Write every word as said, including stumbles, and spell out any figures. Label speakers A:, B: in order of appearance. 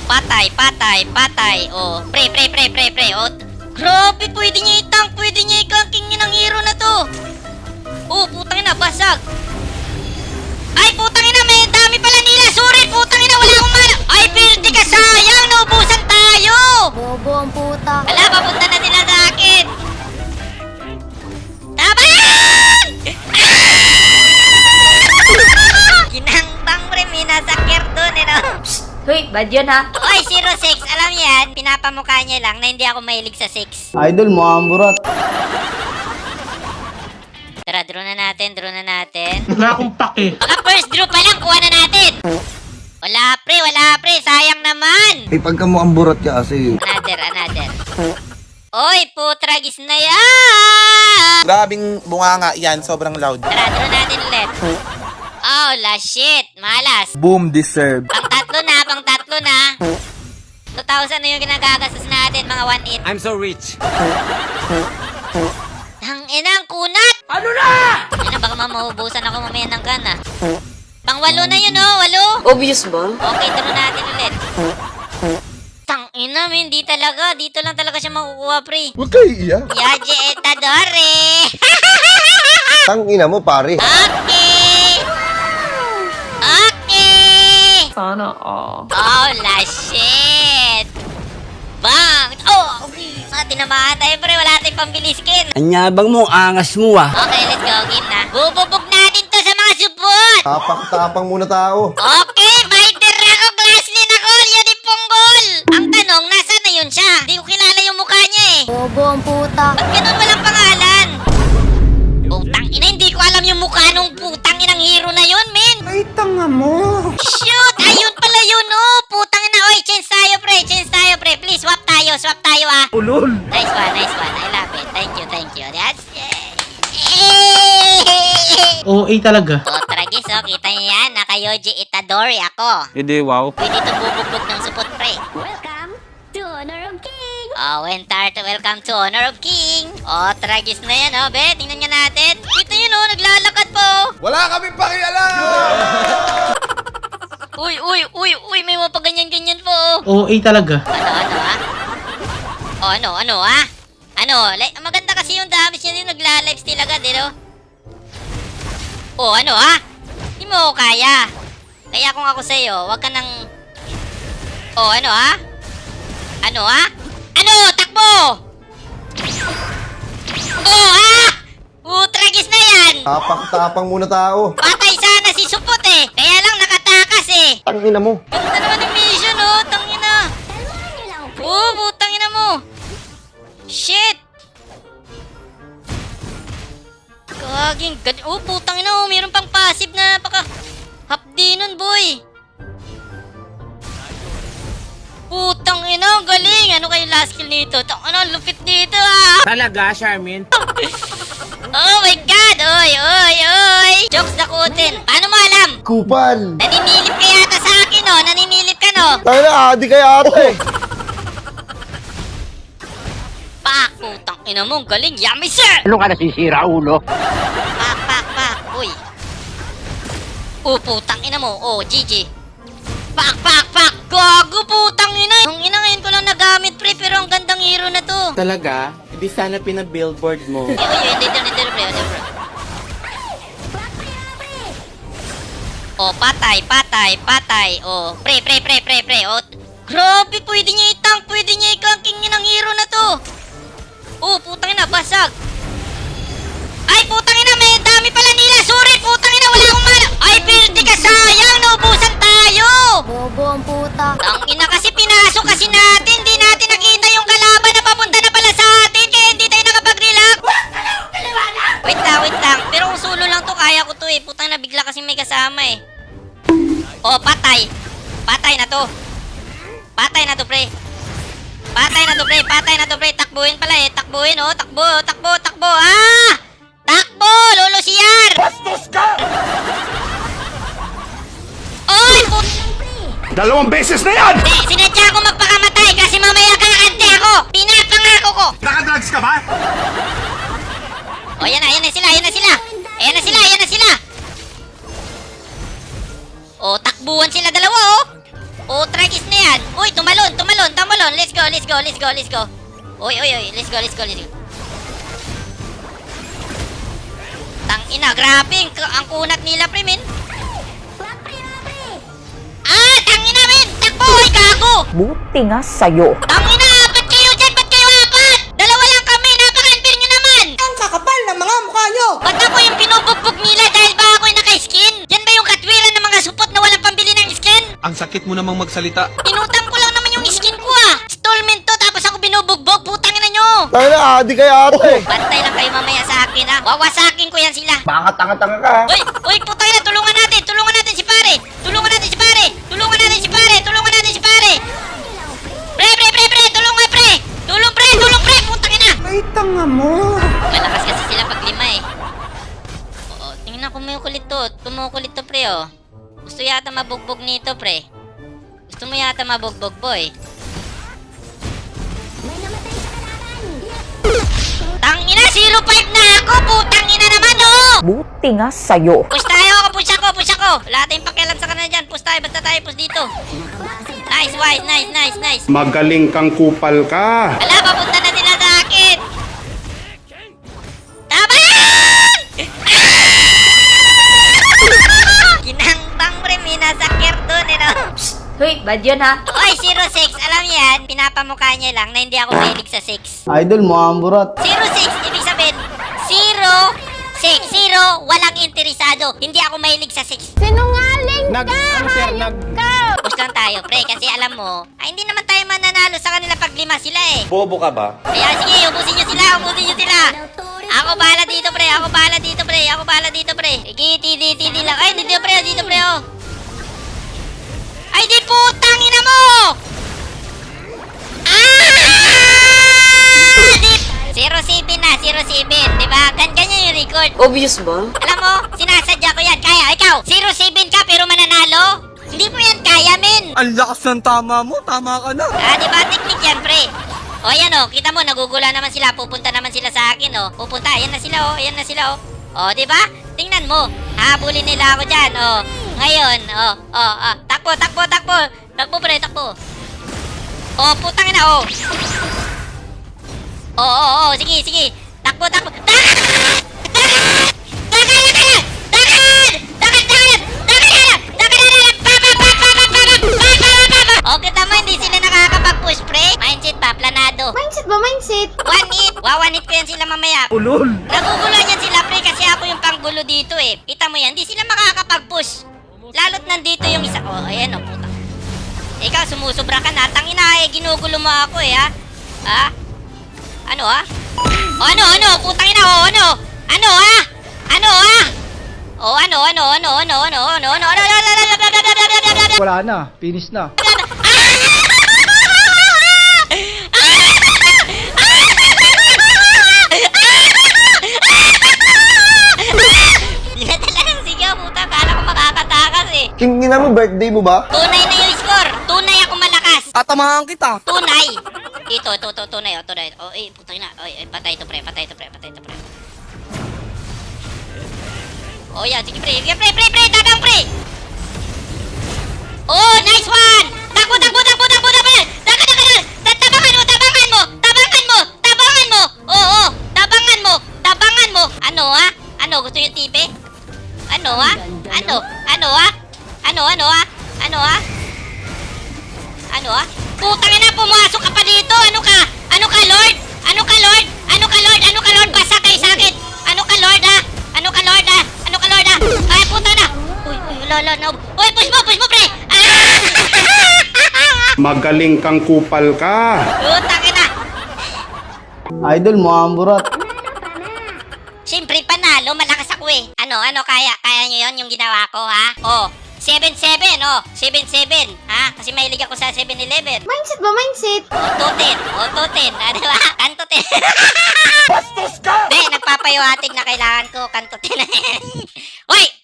A: patay, patay, patay. Oh, pre, pre, pre, pre, pre. Oh, grabe, pwede niya i-tank, pwede niya i-ganking ng hero na to. Oh, putang ina, basag. Ay, putang ina, may dami pala nila. Sorry, putang ina, wala akong mana. Ay, pwede ka, sayang, naubusan tayo.
B: Bobo ang puta.
A: Wala, papunta na sila sa akin. Taban! Ginangtang pre, minasakir dun, eh, no?
B: Hoy, bad yun ha.
A: Oy, zero six, alam yan, pinapamukha niya lang na hindi ako mahilig sa six.
C: Idol mo, amburat.
A: Tara, draw na natin, draw na natin.
D: Wala akong pake.
A: Baka first draw pa lang, kuha na natin. Wala pre, wala pre, sayang naman.
C: Eh, pagka mo amburat ka kasi.
A: Another, another. Oy, putragis na yan.
E: Grabing bunganga yan, sobrang loud.
A: Tara, draw natin ulit. Oh, la shit, malas.
E: Boom deserve.
A: Pang tatlo na, pang tatlo na. two thousand na yung ginagagastos natin, mga one eight.
F: I'm so rich.
A: Ang inang kunat! Ano na? Ano, baka mamahubusan ako mamaya ng gana. Pang walo na yun, oh, walo.
B: Obvious ba?
A: Okay, draw natin ulit. Tang ina, min, di talaga. Dito lang talaga siya makukuha, pre.
C: Huwag kayo iiyak.
A: Yaje etadore.
C: Tangina mo, pare.
A: Okay. Okay.
B: Sana all.
A: Oh, la shit. Bang! Oh, okay. Ah, tinamaan tayo, pre. Wala tayong pambili skin.
F: Anyabang mo, angas mo ah.
A: Okay, let's go. Game na. Bububog natin to sa mga support.
C: Tapak-tapang muna tao.
A: Okay, fighter ako. Glasslin ako. Yun yung punggol. Ang tanong, nasa na yun siya? Hindi ko kilala yung mukha niya eh.
B: Bobo ang puta.
A: Ba't ganun walang pangalan? Putang ina, hindi ko alam yung mukha nung putang inang hero na yun, men.
E: Ay, tanga mo.
A: Shoot! Ayun pala yun, oh! Putang ina, oy! Change tayo, pre! Change tayo, pre! Please, swap tayo! Swap tayo, ah!
E: Ulol.
A: Nice one, nice one. I love it. Thank you, thank you. That's...
D: O A talaga.
A: Oh, tragis, oh. Kita niyo yan. Naka-Yoji Itadori ako.
F: Hindi, wow.
A: Pwede ito bubugbog ng support, pre.
B: Welcome to Honor of King.
A: Oh, Wentart, welcome to Honor of King. Oh, tragis na yan, oh, be. Tingnan niya natin. Kita yun, oh. Naglalakad po.
E: Wala kaming pakialam.
A: Uy, uy, uy, uy. May mga paganyan-ganyan po, oh.
D: O A talaga.
A: Ano, ano, ah? O, ano, ano, ah? Ano, like, maganda kasi yung damage niya din, nagla-lifesteal agad, eh, no? O, ano, ah? Hindi mo ako kaya. Kaya kung ako sa'yo, wag ka nang... O, ano, ah? Ano, ah? Ano, takbo! O, ah! Utragis na yan!
C: Tapak-tapang muna tao.
A: Patay sana si Supot, eh! Kaya lang nakatakas, eh!
C: Tangina mo.
A: Ganda naman yung mission, oh! Tangina! Oh, putang ina mo! Shit! Kaging gad... Oh, putang ina, oh! Mayroon pang passive na paka... Hapdi nun, boy! Putang ina, ang galing! Ano kayo last kill nito? Tang ano, lupit dito, ah!
F: Talaga, Charmin?
A: Oh my God! Oy, oy, oy! Jokes dakutin! Paano mo alam?
C: Kupal.
A: Naninilip ka yata sa akin, oh! Naninilip ka, no?
C: Tangina, adi kaya ate.
A: Pak! Putang ina mo, ang galing! Yummy, sir!
F: Ano ka nasisira, ulo?
A: Pak, pak, pak! Uy! Oh, putang ina mo! Oh, G G! Pak, pak, pak! Gago, putang ina! Ang ina ngayon ko lang nagamit, pre, pero ang gandang hero na to!
F: Talaga? Hindi sana pinabillboard mo.
A: Eh, uy, hindi, hindi, hindi, pre, hindi, pre. Oh, patay, patay, patay! Oh, pre, pre, pre, pre, pre! Oh, grabe, pwede niya i-tank, pwede niya i-ganking ng hero na to! Oh, putang ina, basag! Ay, putang ina, may dami pala nila! Sorry, putang ina, wala akong mana! Ay, pwede ka, sayang! Naubusan tayo!
B: Bobo ang puta.
A: Ang ina kasi, pinasok kasi natin! Di natin nakita yung kalaban na papunta na pala sa atin! Kaya hindi tayo nakapag-relax! Wait lang, wait lang. Pero kung solo lang to, kaya ko to eh. Putang na, bigla kasi may kasama eh. Oh, patay! Patay na to! Patay na to, pre! Patay na to, pre! Patay na to, pre! Takbuhin pala eh! Takbuhin, oh! Takbo! Takbo! Takbo! Ah! Takbo! Lolo siyar! Bastos ka! Oy! Put...
E: Dalawang beses na yan!
A: Eh, sinadya ko magpakamatay kasi mamaya kakante ako! Pinapangako ko!
E: Nakadrugs ka ba?
A: Oh, yan na, yan na sila, yan na sila! Ayan na sila, yan na sila! Oh, takbuhan sila dalawa, oh! Oh, tragis na yan! Uy, tum tambalon, tambalon. Let's go, let's go, let's go, let's go. Oy, oy, oy. Let's go, let's go, let's go. Tangina, grabe. Ang, ang kunat nila, pre, men. Ah, tangina, men. Takbo, oy, gago.
G: Buti nga sa'yo.
A: Tangina, ba't kayo dyan? Ba't kayo apat? Dalawa lang kami. Napaka-unfair nyo naman.
F: Ang kakapal ng mga mukha nyo!
A: Ba't ako yung pinubugbog nila dahil ba ako yung naka-skin? Yan ba yung katwiran ng mga supot na walang pambili ng skin?
E: Ang sakit mo namang magsalita.
A: Inutang ko lang naman yung skin ko ah. Stallment to tapos ako binubugbog. Putang ina nyo.
C: Tayo na, adi kaya ate.
A: Bantay lang kayo mamaya sa akin ha. Wawasakin ko yan sila.
C: Baka tanga-tanga ka.
A: Uy, uy, putang ina. Tulungan natin. Tulungan natin si pare. Tulungan natin si pare. Tulungan natin si pare. Tulungan natin si pare. Pre, pre, pre, pre. Tulungan pre. Tulong pre. Tulong pre. Putang ina.
F: Ay, tanga mo!
A: Malakas kasi sila pag lima eh. Oo, tingnan ko kumukulit to. Kumukulit to pre oh. Gusto yata mabugbog nito pre. Gusto mo yata mabugbog boy. Tangina, zero five na ako. Putang ina naman oh.
G: Buti nga sa'yo.
A: Push tayo. Push ako, push ako. Wala tayong pakialam sa kanila dyan. Push tayo. Basta tayo push dito. Nice, wise, nice, nice, nice.
E: Magaling kang kupal ka.
A: Ala, papunta na sila sa akin. Tama! Ginangbang pre, may nasakyer doon, eh, no?
B: Hoy, bad yun ha.
A: Oy, zero six, alam niyo yan, pinapamukha niya lang na hindi ako mahilig sa six.
F: Idol mo ang burat.
A: zero six, ibig sabihin, zero six, zero, walang interesado. Hindi ako mahilig sa six.
B: Sinungaling
F: Nag, ano sir, nag...
A: Push lang tayo, pre, kasi alam mo, ay hindi naman tayo mananalo sa kanila pag lima sila eh.
F: Bobo ka ba?
A: Kaya sige, ubusin nyo sila, ubusin nyo sila. Ako bahala dito, pre. Ako bahala dito, pre. Ako bahala dito, pre. Sige, tidi, tidi lang. Ay, dito, pre. Dito, pre, oh. Ay, di putang ina mo! Ah! Di... zero seven na, zero seven. Diba? Gan ganyan yung record.
F: Obvious ba?
A: Alam mo, sinasadya ko yan. Kaya, ikaw, zero seven ka pero mananalo? Hindi mo yan kaya, men.
F: Ang lakas ng tama mo, tama ka na.
A: Ah, di ba? Technique yan, pre. O, ayan o. Kita mo, nagugula naman sila. Pupunta naman sila sa akin, o. Pupunta. Ayan na sila, o. Ayan na sila, o. O, di ba? Tingnan mo. Habulin nila ako dyan, o. Ngayon, o. O, o. Takbo, takbo, takbo. Takbo, pre, takbo. O, putang ina, o. O, o, o. Sige, sige. Takbo, takbo. Takbo! O, kita mo, hindi sila nakakapag-push, pre. Mindset pa, planado.
B: Mindset ba, mindset?
A: One hit. Wawan hit ko yan sila mamaya.
F: Ulol.
A: Nagugulo yan sila, pre, kasi ako yung panggulo dito, eh. Kita mo yan, hindi sila makakapag-push. Lalo't nandito yung isa. Oh, ayan, oh, puta. Ikaw, sumusubra ka na. Tangina, eh, ginugulo mo ako, eh, ha? Ha? Ano, ha? O, ano, ano? Putang ina, o, ano? Ano, ha? Ano, ha? O, ano, ano, ano, ano, ano, ano, ano, ano, ano, ano, ano, ano, ano, ano, ano,
H: Wala na, finish na.
A: Dinadala ng sigaw, puta. Kala ko makakatakas eh.
C: Kingina mo, birthday mo ba?
A: Tunay na yung score. Tunay ako malakas.
F: Tatamahan kita.
A: Tunay. Ito, ito, ito, tunay, oh, tunay. Oh, eh, putang na. Oh, eh, patay ito, pre. Patay ito, pre. Patay ito, pre. Oh, yan. Sige, pre. Sige, pre, pre, pre. Tabang, pre. Oh, nice one. Takbo, takbo, takbo, takbo, takbo. Taka, taka, taka. Tabangan mo, tabangan mo. Tabangan mo. Tabangan mo. Oo, oh, tabangan mo. Tabangan mo. Ano, ha? Ano, gusto yung tipe? Ano, ha? Ano? Ano, ha? Ano, ano, ha? Ano, ha? Ano, ha? Putang ina, pumasok ka pa dito. Ano ka? Ano ka, Lord? Ano ka, Lord? Ano ka, Lord? Ano ka, Lord? Basa kayo sa akin. Ano ka, Lord, ha? Ano ka, Lord, ha? Ano ka, Lord, ha? Ay, puta na. Uy, uy, lolo, no. Uy, push mo, push mo, pre. Ah!
E: Magaling kang kupal ka.
A: Putang ina.
F: Idol mo ang burat.
A: Siyempre, panalo. Malakas ako eh. Ano, ano, kaya? Kaya nyo yun, yung ginawa ko, ha? Oh, seven seven, oh. seven seven, ha? Kasi mahilig ako sa seven eleven.
B: Mindset ba, mindset?
A: Auto ten, auto ten, ano ba? Kanto ten. Bastos ka! Hindi, nagpapayawatig na kailangan ko kanto ten na yan. Hoy!